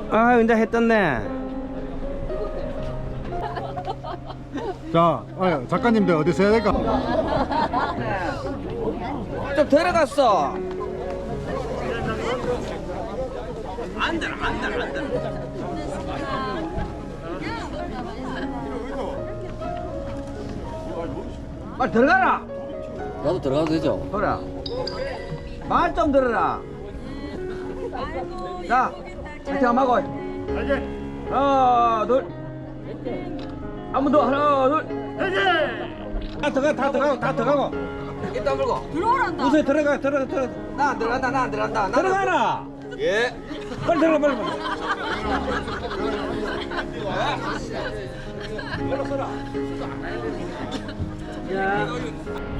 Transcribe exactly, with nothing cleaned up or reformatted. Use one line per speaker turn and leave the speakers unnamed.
아 이제 해 떴네.
자, 아, 작가님들 어디서 해야 될까?
좀 들어갔어. 안 들어 안 들어 안 들어. 빨리 들어가라.
나도 들어가도 되죠?
그래. 말 좀 들어라. 자, 파이팅 한번 하고. 하나, 둘. 한 번 더. 하나, 둘. 다 들어가, 다 들어가고, 다 들어가고. 입 다물고.
들어오란다.
무슨 들어가, 들어가, 들어가. 나 안 들어간다, 나 안 들어간다. 나는- 들어가라. 예. 빨리 들어가, 빨리. 빨리. 빨리 서라. 야.